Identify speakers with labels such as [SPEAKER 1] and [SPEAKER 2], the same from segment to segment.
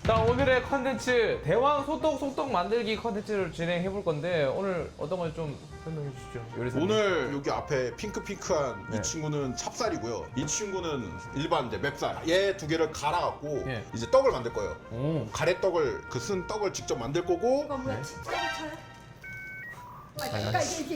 [SPEAKER 1] 자, 오늘의 컨텐츠 대왕 소떡 만들기 컨텐츠를 진행해 볼 건데 오늘 어떤 걸 좀 설명해 주시죠, 요리사님.
[SPEAKER 2] 오늘 여기 앞에 핑크핑크한
[SPEAKER 1] 네.
[SPEAKER 2] 이 친구는 찹쌀이고요. 이 친구는 일반 이제 맵쌀. 얘 두 개를 갈아갖고
[SPEAKER 1] 예.
[SPEAKER 2] 이제 떡을 만들 거예요.
[SPEAKER 1] 오.
[SPEAKER 2] 가래떡을 쓴 떡을 직접 만들 거고
[SPEAKER 3] 이거 뭐야? 진짜 차야? 그러니까 이게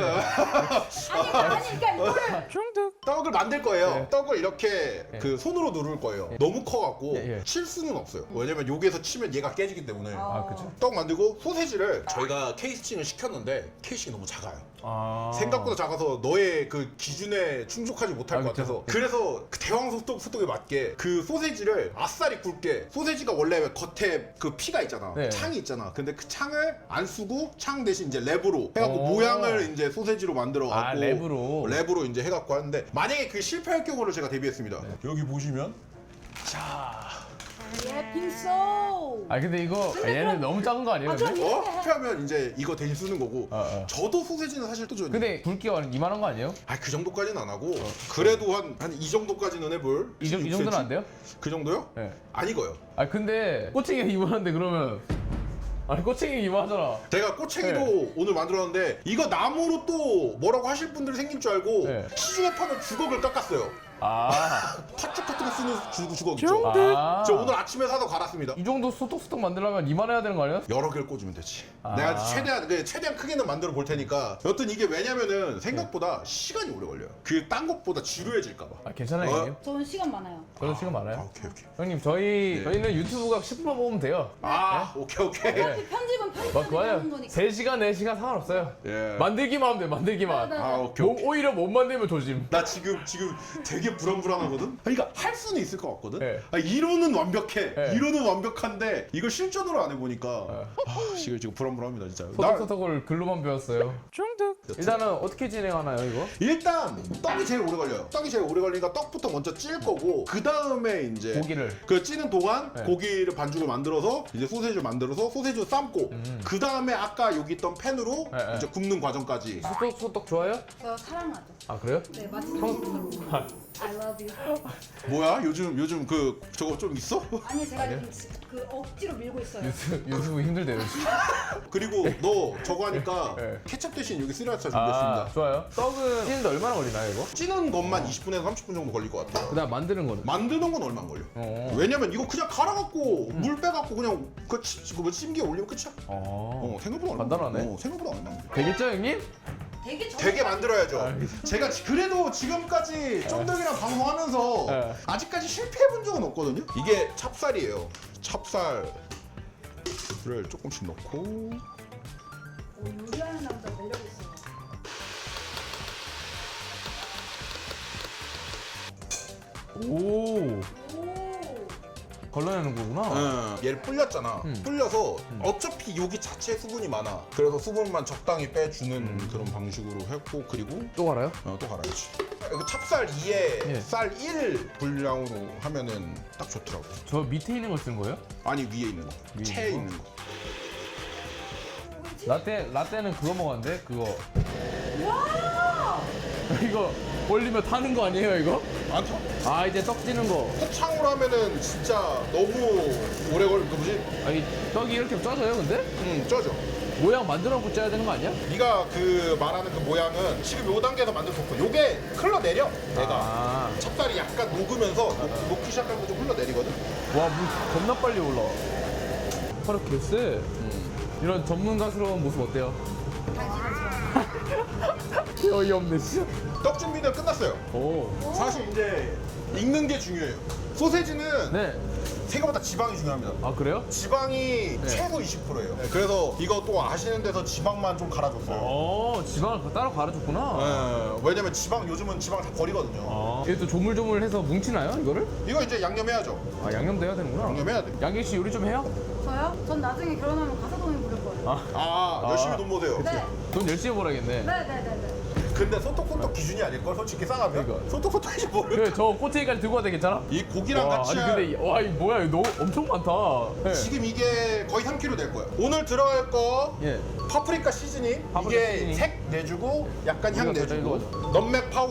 [SPEAKER 3] 아니 그러니까 이거를
[SPEAKER 1] 중득.
[SPEAKER 2] 떡을 만들 거예요.
[SPEAKER 1] 네.
[SPEAKER 2] 떡을 이렇게
[SPEAKER 1] 네.
[SPEAKER 2] 그 손으로 누를 거예요. 너무 커갖고
[SPEAKER 1] 예, 예.
[SPEAKER 2] 칠 수는 없어요. 왜냐면 여기에서 치면 얘가 깨지기 때문에.
[SPEAKER 1] 아, 그쵸.
[SPEAKER 2] 떡 만들고 소세지를 저희가 케이스팅을 시켰는데 케이스팅이 너무 작아요.
[SPEAKER 1] 아.
[SPEAKER 2] 생각보다 작아서 너의 그 기준에 충족하지 못할
[SPEAKER 1] 아,
[SPEAKER 2] 것
[SPEAKER 1] 그쵸.
[SPEAKER 2] 같아서 그래서 그 대왕 소떡에 맞게 그 소세지를 아싸리 굵게, 소세지가 원래 겉에 그 피가 있잖아.
[SPEAKER 1] 네.
[SPEAKER 2] 창이 있잖아. 근데 그 창을 안 쓰고 창 대신 이제 랩으로 해갖고
[SPEAKER 1] 오.
[SPEAKER 2] 모양을 이제 소세지로 만들어 갖고
[SPEAKER 1] 아, 랩으로
[SPEAKER 2] 이제 해갖고 하는데 만약에 그 실패할 경우를 제가 대비했습니다.
[SPEAKER 1] 네.
[SPEAKER 2] 여기 보시면
[SPEAKER 3] 예 빙소.
[SPEAKER 1] 아, 근데 이거 얘는 너무 작은 거 아니에요,
[SPEAKER 3] 아, 좀
[SPEAKER 1] 근데?
[SPEAKER 2] 실패하면 이제 이거 대신 쓰는 거고 저도 소세지는 사실 또 좋아요.
[SPEAKER 1] 근데 굵기가 이만한 거 아니에요?
[SPEAKER 2] 그 정도까지는 안 하고 그래도 한 이 정도까지는 해볼.
[SPEAKER 1] 이 정도는 안 돼요?
[SPEAKER 2] 그 정도요?
[SPEAKER 1] 네.
[SPEAKER 2] 안 익어요.
[SPEAKER 1] 아, 근데 꼬챙이가 이만한데 그러면 아니 꼬챙이 이만하잖아.
[SPEAKER 2] 제가 꼬챙이도
[SPEAKER 1] 네.
[SPEAKER 2] 오늘 만들었는데 이거 나무로 또 뭐라고 하실 분들이 생길 줄 알고
[SPEAKER 1] 네.
[SPEAKER 2] 시중에 파는 주걱을 깎았어요.
[SPEAKER 1] 아.
[SPEAKER 2] 팥죽 같은 거 쓰는 주걱 있죠?
[SPEAKER 1] 아.
[SPEAKER 2] 저 오늘 아침에 사서 갈았습니다.
[SPEAKER 1] 이 정도 소떡소떡 만들려면 이만해야 되는 거 아니야?
[SPEAKER 2] 여러 개를 꽂으면 되지.
[SPEAKER 1] 아.
[SPEAKER 2] 내가 최대한 크게는 만들어 볼 테니까. 여튼 이게 왜냐면은 생각보다 시간이 오래 걸려요. 그 딴 것보다 지루해질까 봐.
[SPEAKER 1] 아, 괜찮아요,
[SPEAKER 2] 어?
[SPEAKER 1] 형님?
[SPEAKER 3] 저는 시간 많아요.
[SPEAKER 1] 저도 시간 많아요.
[SPEAKER 2] 오케이.
[SPEAKER 1] 형님, 저희는 유튜브가 10분만 보면 돼요.
[SPEAKER 2] 오케이.
[SPEAKER 3] 어차피 편집은
[SPEAKER 1] 막 그거요.
[SPEAKER 3] 하는 거니까.
[SPEAKER 1] 3시간, 4시간 상관없어요.
[SPEAKER 2] 예.
[SPEAKER 1] 만들기만 하면 돼, 만들기만.
[SPEAKER 3] 네, 네.
[SPEAKER 2] 오케이.
[SPEAKER 1] 오히려 못 만들면 조심.
[SPEAKER 2] 나 지금 되게 불안하거든? 그러니까 할 수는 있을 것 같거든?
[SPEAKER 1] 네.
[SPEAKER 2] 이론은 완벽해.
[SPEAKER 1] 네.
[SPEAKER 2] 이론은 완벽한데 이걸 실전으로 안 해보니까 지금 불안합니다 진짜.
[SPEAKER 1] 소떡소떡을 글로만 배웠어요. 중득. 일단은 어떻게 진행하나요, 이거?
[SPEAKER 2] 일단 떡이 제일 오래 걸려요. 떡이 제일 오래 걸리니까 떡부터 먼저 찔 거고 그 다음에 이제
[SPEAKER 1] 고기를.
[SPEAKER 2] 그 찌는 동안
[SPEAKER 1] 네.
[SPEAKER 2] 고기를 반죽을 만들어서 이제 소세지를 만들어서 소세지를 삶고 그 다음에 아까 여기 있던 팬으로
[SPEAKER 1] 네, 네.
[SPEAKER 2] 이제 굽는 과정까지.
[SPEAKER 1] 소떡소떡 좋아요?
[SPEAKER 3] 저 사랑하죠.
[SPEAKER 1] 아, 그래요?
[SPEAKER 3] 네 맛있는 거. I love you.
[SPEAKER 2] 뭐야? 요즘 그 저거 좀 있어?
[SPEAKER 3] 아니 제가 그 억지로 밀고 있어요.
[SPEAKER 1] 유튜브 힘들대요, 요즘.
[SPEAKER 2] 그리고 너 저거 하니까
[SPEAKER 1] 네.
[SPEAKER 2] 케첩 대신 여기 스리라차 준비했습니다.
[SPEAKER 1] 아, 좋아요. 떡은 찌는데 얼마나 걸리나요, 이거?
[SPEAKER 2] 찌는 것만 20분에서 30분 정도 걸릴 것 같아.
[SPEAKER 1] 그다음 만드는 거는?
[SPEAKER 2] 만드는 건 얼마 안 걸려. 왜냐면 이거 그냥 갈아갖고 물 빼갖고 그냥 그 찜기에 올리면 끝이야. 생각보다 얼마 안
[SPEAKER 1] 간단하네.
[SPEAKER 2] 걸려. 생각보다 얼마 안 걸려.
[SPEAKER 1] 되겠죠, 형님?
[SPEAKER 2] 되게 만들어야죠. 제가 그래도 지금까지 쫀득이랑 방송하면서
[SPEAKER 1] 네.
[SPEAKER 2] 아직까지 실패해본 적은 없거든요. 이게 찹쌀이에요. 찹쌀을 조금씩 넣고
[SPEAKER 3] 요리하는 남자 매력 있어요.
[SPEAKER 1] 오.
[SPEAKER 3] 오.
[SPEAKER 1] 걸러내는 거구나.
[SPEAKER 2] 얘를 불렸잖아. 불려서 어차피 여기 자체에 수분이 많아. 그래서 수분만 적당히 빼주는 그런 방식으로 했고 그리고
[SPEAKER 1] 또 갈아요?
[SPEAKER 2] 또 갈아야지. 이거 찹쌀 2에
[SPEAKER 1] 예.
[SPEAKER 2] 쌀 1 분량으로 하면은 딱 좋더라고.
[SPEAKER 1] 저 밑에 있는 걸 쓰는 거예요?
[SPEAKER 2] 아니 위에 있는 거,
[SPEAKER 1] 위에
[SPEAKER 2] 체에
[SPEAKER 1] 있는
[SPEAKER 2] 있는 거.
[SPEAKER 1] 라떼는 그거 먹었는데 그거.
[SPEAKER 3] 와.
[SPEAKER 1] 이거 올리면 타는 거 아니에요, 이거?
[SPEAKER 2] 안 타?
[SPEAKER 1] 아, 이제 떡 찌는 거.
[SPEAKER 2] 포창으로 하면은 진짜 너무 오래 걸릴 거 뭐지?
[SPEAKER 1] 아니, 떡이 이렇게 쪄져요, 근데?
[SPEAKER 2] 쪄져.
[SPEAKER 1] 모양 만들어놓고 쪄야 되는 거 아니야?
[SPEAKER 2] 네가 그 말하는 그 모양은 지금 요 단계에서 만들 수 없어. 요게 흘러내려. 내가
[SPEAKER 1] 아.
[SPEAKER 2] 찹쌀이 약간 녹으면서 녹기 시작하면 좀 흘러내리거든.
[SPEAKER 1] 와, 물 겁나 빨리 올라. 바로 개쎄. 이런 전문가스러운 모습 어때요? 어이없네, 진짜.
[SPEAKER 2] 떡 준비는 끝났어요.
[SPEAKER 1] 오.
[SPEAKER 2] 사실 이제 익는 게 중요해요. 소세지는
[SPEAKER 1] 네.
[SPEAKER 2] 생각보다 지방이 중요합니다.
[SPEAKER 1] 아, 그래요?
[SPEAKER 2] 지방이 최소 20%예요. 그래서 이거 또 아시는 데서 지방만 좀 갈아줬어요.
[SPEAKER 1] 지방을 따로 갈아줬구나.
[SPEAKER 2] 왜냐면 요즘은 지방 다 버리거든요.
[SPEAKER 1] 이게 또 조물조물해서 뭉치나요, 이거를?
[SPEAKER 2] 이거 이제 양념해야죠.
[SPEAKER 1] 아, 양념도 해야 되는구나.
[SPEAKER 2] 양념해야 돼.
[SPEAKER 1] 양길 씨 요리 좀 해요?
[SPEAKER 3] 저요? 전 나중에 결혼하면 가사동에 부를 거예요.
[SPEAKER 2] 열심히 돈 모세요.
[SPEAKER 3] 네.
[SPEAKER 1] 돈 열심히 벌어야겠네.
[SPEAKER 3] 네네네네.
[SPEAKER 2] 근데 소떡소떡 기준이 아닐걸? 솔직히 싸가면?
[SPEAKER 1] 그러니까.
[SPEAKER 2] 소떡소떡인지 모르겠어.
[SPEAKER 1] 그래, 저 꼬챙이까지 들고 와도 괜찮아?
[SPEAKER 2] 이 고기랑
[SPEAKER 1] 와,
[SPEAKER 2] 같이
[SPEAKER 1] 아니 근데 와, 이 뭐야, 이거 너무 엄청 많다. 네.
[SPEAKER 2] 지금 이게 거의 3kg 될 거야. 오늘 들어갈 거
[SPEAKER 1] 예.
[SPEAKER 2] 파프리카 시즈닝.
[SPEAKER 1] 파프리카
[SPEAKER 2] 이게
[SPEAKER 1] 시즈닝.
[SPEAKER 2] 색 내주고 약간 향
[SPEAKER 1] 우리가
[SPEAKER 2] 내주고
[SPEAKER 1] 이거
[SPEAKER 2] 넘맥 파우더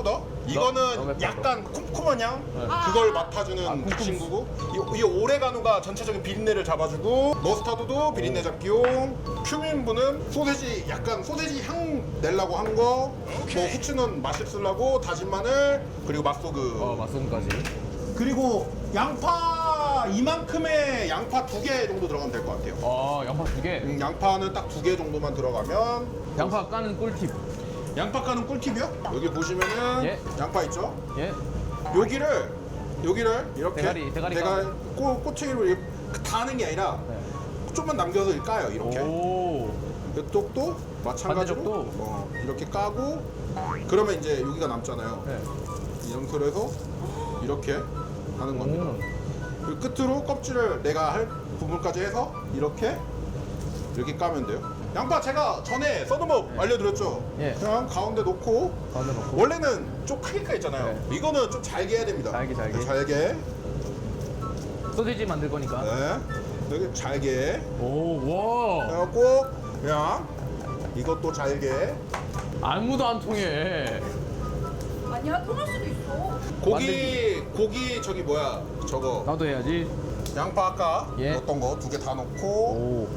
[SPEAKER 2] 이거는
[SPEAKER 1] 맵다,
[SPEAKER 2] 약간 쿰쿰한 향 그걸 맡아주는 그 친구고 이 오레가노가 전체적인 비린내를 잡아주고 머스타드도 비린내 잡기용 큐민분은 소세지 약간 소세지 향 내려고 한 거 뭐 후추는 맛있으려고 다진 마늘 그리고 맛소금
[SPEAKER 1] 맛소금까지.
[SPEAKER 2] 그리고 양파 이만큼의 양파 2개 정도 들어가면 될 것 같아요.
[SPEAKER 1] 양파 2개.
[SPEAKER 2] 양파는 딱 2개 정도만 들어가면
[SPEAKER 1] 양파 까는 꿀팁.
[SPEAKER 2] 양파 까는 꿀팁이요? 여기 보시면은
[SPEAKER 1] 예.
[SPEAKER 2] 양파 있죠?
[SPEAKER 1] 예.
[SPEAKER 2] 여기를 이렇게
[SPEAKER 1] 대가리
[SPEAKER 2] 꼬챙이로 이렇게 다 하는 게 아니라 좀만 남겨서 이렇게 까요. 이렇게.
[SPEAKER 1] 오.
[SPEAKER 2] 이쪽도 마찬가지로
[SPEAKER 1] 반대쪽도?
[SPEAKER 2] 이렇게 까고 그러면 이제 여기가 남잖아요.
[SPEAKER 1] 네.
[SPEAKER 2] 이 상태로 해서 이렇게 하는 겁니다. 그리고 끝으로 껍질을 내가 할 부분까지 해서 이렇게 까면 돼요. 양파 제가 전에 써는 법 알려드렸죠?
[SPEAKER 1] 예.
[SPEAKER 2] 그냥 가운데 놓고
[SPEAKER 1] 가운데 넣고.
[SPEAKER 2] 원래는 좀 크게 까있잖아요. 이거는 좀 잘게 해야 됩니다.
[SPEAKER 1] 잘게.
[SPEAKER 2] 네, 잘게.
[SPEAKER 1] 소시지 만들 거니까.
[SPEAKER 2] 네. 여기 잘게.
[SPEAKER 1] 오, 와.
[SPEAKER 2] 해갖고 그냥 이것도 잘게.
[SPEAKER 1] 아무도 안 통해.
[SPEAKER 3] 아니야, 통할 수도 있어.
[SPEAKER 2] 고기 저기 뭐야 저거
[SPEAKER 1] 나도 해야지.
[SPEAKER 2] 양파 아까
[SPEAKER 1] 예.
[SPEAKER 2] 넣었던 거 2개 다 넣고
[SPEAKER 1] 오.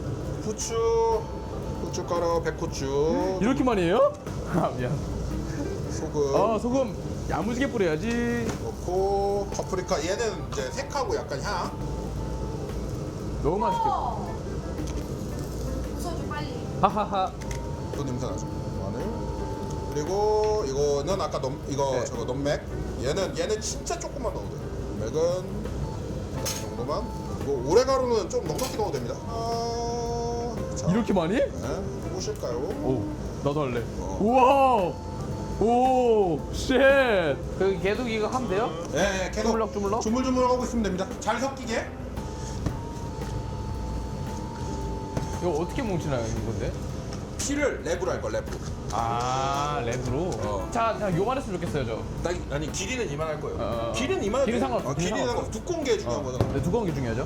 [SPEAKER 2] 후춧가루, 백후추,
[SPEAKER 1] 이렇게 많이 해요? 아, 미안.
[SPEAKER 2] 소금
[SPEAKER 1] 소금 야무지게 뿌려야지.
[SPEAKER 2] 넣고 파프리카 얘는 이제 색하고 약간 향.
[SPEAKER 1] 너무 맛있겠다.
[SPEAKER 3] 웃어줘, 빨리.
[SPEAKER 1] 하하하.
[SPEAKER 2] 또 냄새 나죠. 마늘. 그리고 이거는 아까
[SPEAKER 1] 네.
[SPEAKER 2] 저거 넘맥. 얘는 진짜 조금만 넣어도 돼요. 넘맥은 이 정도만. 그리고 오레가루는 좀 넉넉히 넣어도 됩니다. 자,
[SPEAKER 1] 이렇게 많이?
[SPEAKER 2] 네. 보실까요?
[SPEAKER 1] 오, 나도 할래.
[SPEAKER 2] 어.
[SPEAKER 1] 우와. 오, 쉣. 그 계속 이거 하면 돼요?
[SPEAKER 2] 네, 계속
[SPEAKER 1] 주물럭?
[SPEAKER 2] 주물주물 하고 있으면 됩니다. 잘 섞이게.
[SPEAKER 1] 이거 어떻게 뭉치나요, 이건데?
[SPEAKER 2] 피를 랩으로 할 거야, 랩으로.
[SPEAKER 1] 아, 랩으로? 자, 요만했으면 좋겠어요, 저.
[SPEAKER 2] 아니 길이는 이만할 거예요.
[SPEAKER 1] 어.
[SPEAKER 2] 길이는 이만할
[SPEAKER 1] 길이
[SPEAKER 2] 거예요.
[SPEAKER 1] 상관없어,
[SPEAKER 2] 길이
[SPEAKER 1] 길이
[SPEAKER 2] 상관없어. 두꺼운 게 중요한 거잖아.
[SPEAKER 1] 근데 두꺼운 게 중요하죠?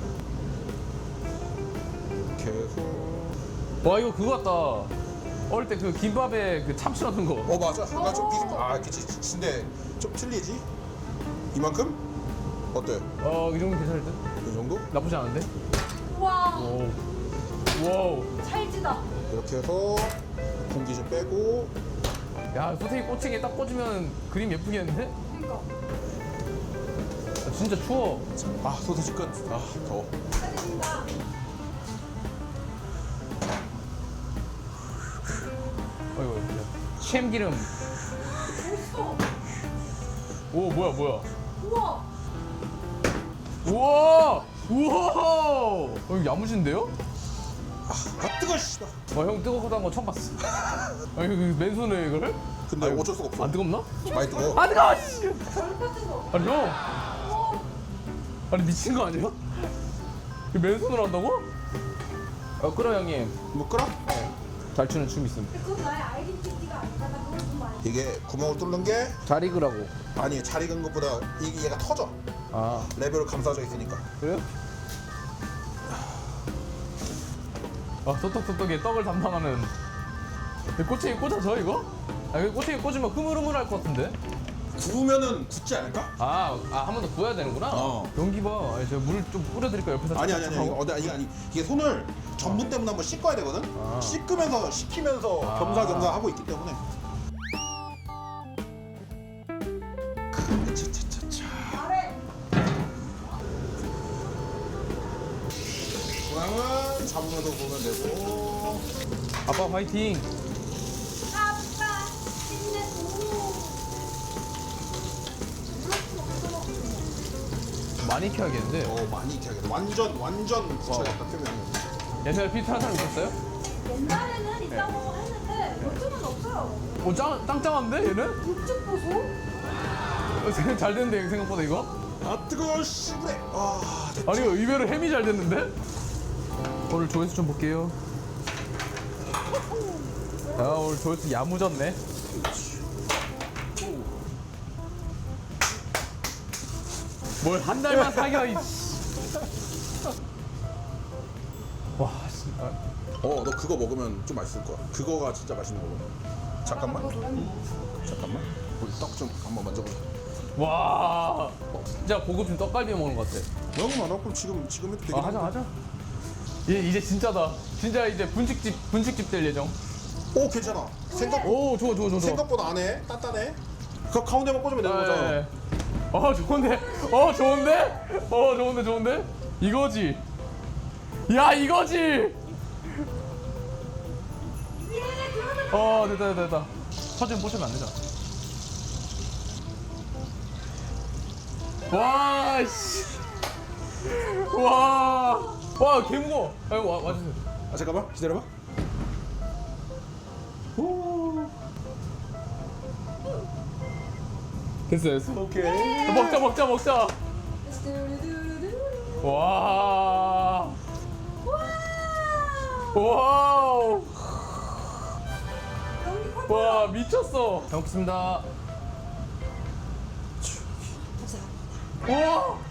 [SPEAKER 2] 계속.
[SPEAKER 1] 와, 이거 그거 같다. 어릴 때 그 김밥에 그 참치 넣는 거.
[SPEAKER 2] 맞아. 나 좀 비슷. 그치. 근데 좀 틀리지? 이만큼? 어때?
[SPEAKER 1] 이 정도 괜찮을 듯?
[SPEAKER 2] 이 정도?
[SPEAKER 1] 나쁘지 않은데?
[SPEAKER 3] 우와,
[SPEAKER 1] 오. 와우.
[SPEAKER 3] 찰지다.
[SPEAKER 2] 이렇게 해서 공기 좀 빼고.
[SPEAKER 1] 야, 소세지 꼬챙이에 딱 꽂으면 그림 예쁘겠는데?
[SPEAKER 3] 그러니까.
[SPEAKER 1] 아, 진짜 추워.
[SPEAKER 2] 소세지 끝. 더워.
[SPEAKER 3] 축하드립니다.
[SPEAKER 1] 어이구, 참기름.
[SPEAKER 3] 멋있어.
[SPEAKER 1] 오, 뭐야.
[SPEAKER 3] 우와.
[SPEAKER 1] 우와! 우와! 이거 야무진데요?
[SPEAKER 2] 뜨거워, 씨발.
[SPEAKER 1] 형 뜨겁다는 거 처음 봤어. 이거 맨손에 이거를?
[SPEAKER 2] 근데
[SPEAKER 1] 아이고,
[SPEAKER 2] 어쩔 수가 없어.
[SPEAKER 1] 안 뜨겁나?
[SPEAKER 2] 많이 뜨거워.
[SPEAKER 1] 안 뜨거워! 씨!
[SPEAKER 3] 저렇게 뜨거.
[SPEAKER 1] 아니 형! 아니 미친 거 아니야? 이거 맨손으로 한다고? 끓어 형님.
[SPEAKER 2] 뭐 끓어?
[SPEAKER 1] 잘 추는 춤 있음.
[SPEAKER 3] 그건 나의 아이덴티티가 아니다. 나 그걸 좀 알지.
[SPEAKER 2] 이게 구멍을 뚫는 게
[SPEAKER 1] 잘 익으라고.
[SPEAKER 2] 아니 잘 익은 것보다 이게 얘가 터져.
[SPEAKER 1] 아,
[SPEAKER 2] 레벨로 감싸져 있으니까.
[SPEAKER 1] 그래요? 소떡소떡에 떡을 담당하는 꼬챙이 꽂아서 이거? 이거 꼬챙이 꽂으면 흐물흐물할 것 같은데?
[SPEAKER 2] 구우면은 굳지 않을까?
[SPEAKER 1] 한 번 더 구워야 되는구나?
[SPEAKER 2] 어.
[SPEAKER 1] 연기 봐. 제가 물 좀 뿌려드릴까 옆에서?
[SPEAKER 2] 아니
[SPEAKER 1] 하고?
[SPEAKER 2] 이게 손을 전분 때문에 한번 씻어야 되거든.
[SPEAKER 1] 아.
[SPEAKER 2] 씻으면서 식히면서 겸사겸사 하고 있기 때문에. 차차차차.
[SPEAKER 3] 아래.
[SPEAKER 2] 중앙은 잡으면서 보면 되고.
[SPEAKER 1] 아빠 화이팅!
[SPEAKER 3] 아빠 힘내고.
[SPEAKER 1] 많이 익혀야겠는데?
[SPEAKER 2] 많이 익혀야겠다. 완전 굳혀야겠다 표면을.
[SPEAKER 1] 옛날에 비슷한 사람 있었어요?
[SPEAKER 3] 옛날에는 있다고 했는데 요즘은 없어요.
[SPEAKER 1] 짱짱한데 얘는?
[SPEAKER 3] 육즙 보소?
[SPEAKER 1] 잘 됐는데 생각보다 이거?
[SPEAKER 2] 뜨거워 씨 그래.
[SPEAKER 1] 아니 이거 의외로 햄이 잘 됐는데? 오늘 조회수 좀 볼게요. 오늘 조회수 야무졌네. 뭘 한 달만 사겨 이. 와, 진짜.
[SPEAKER 2] 너 그거 먹으면 좀 맛있을 거야. 그거가 진짜 맛있는 거거든. 잠깐만. 우리 떡 좀 한번 만져보자.
[SPEAKER 1] 와 진짜 고급진 떡갈비 먹는 것 같아.
[SPEAKER 2] 너무 많아. 그럼 지금 해도 되긴
[SPEAKER 1] 하자
[SPEAKER 2] 하는데.
[SPEAKER 1] 하자. 이제 진짜다. 진짜 이제 분식집 될 예정.
[SPEAKER 2] 오 괜찮아.
[SPEAKER 1] 오 좋아.
[SPEAKER 2] 생각보다 안 해. 단단해. 그 가운데만 꽂으면 되는 거잖아.
[SPEAKER 1] 네. 좋은데. 이거지. 야 이거지. 됐다. 사진 보시면 안 되잖아. 와 씨. 와 개무거워. 와주세요.
[SPEAKER 2] 아 잠깐만 기다려봐.
[SPEAKER 1] 됐어.
[SPEAKER 2] 오케이.
[SPEAKER 1] 먹자. 와. 와우. 와 미쳤어. 잘 먹겠습니다. 와.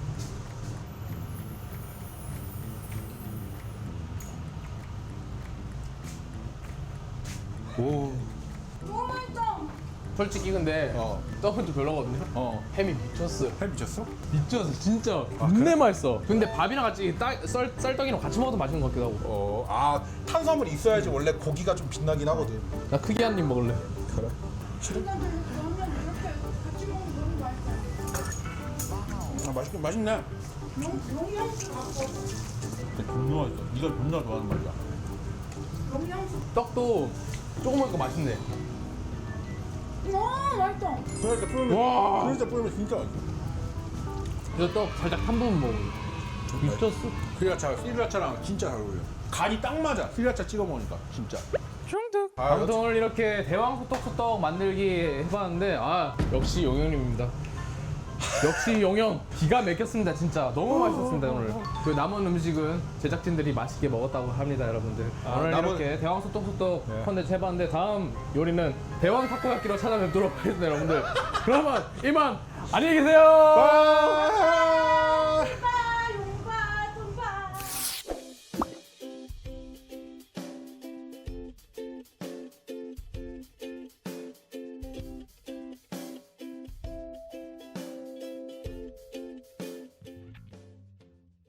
[SPEAKER 2] 오.
[SPEAKER 3] 너무 맛있다.
[SPEAKER 1] 솔직히 근데 떡은 좀 별로거든요. 햄이 미쳤어요.
[SPEAKER 2] 해 미쳤어?
[SPEAKER 1] 미쳤어 진짜. 겁내 맛있어. 근데 밥이랑 같이 쌀떡이랑 같이 먹어도 맛있는 것 같기도 하고.
[SPEAKER 2] 아 탄수화물이 있어야지 원래 고기가 좀 빛나긴 하거든.
[SPEAKER 1] 나 크게 한 입 먹을래.
[SPEAKER 2] 그래.
[SPEAKER 3] 그러면 이렇게 같이 먹으면 너무 맛있어.
[SPEAKER 2] 아 맛있네.
[SPEAKER 3] 영양소 갖고
[SPEAKER 4] 존나 맛있어. 네가 존나 좋아하는 맛이야.
[SPEAKER 3] 영양소.
[SPEAKER 1] 떡도 조금 먹으니까 맛있네.
[SPEAKER 3] 맛있다.
[SPEAKER 2] 그러니까 뿌리면
[SPEAKER 1] 와.
[SPEAKER 2] 그러니까 뿌리면 진짜 맛있어.
[SPEAKER 1] 이거 떡 살짝 한 부분 먹어. 미쳤어.
[SPEAKER 2] 스리라차랑 진짜 잘 어울려. 간이 딱 맞아. 스리라차 찍어 먹으니까 진짜.
[SPEAKER 1] 아무튼 오늘 이렇게 대왕 소떡소떡 만들기 해봤는데 역시 용영님입니다. 역시 용영 기가 막혔습니다 진짜. 너무 맛있었습니다 오늘. 그 남은 음식은 제작진들이 맛있게 먹었다고 합니다 여러분들. 오늘 이렇게 대왕 소떡소떡 컨텐츠 해봤는데 다음 요리는 대왕 타코야끼로 찾아뵙도록 하겠습니다 여러분들. 그러면 이만 안녕히 계세요.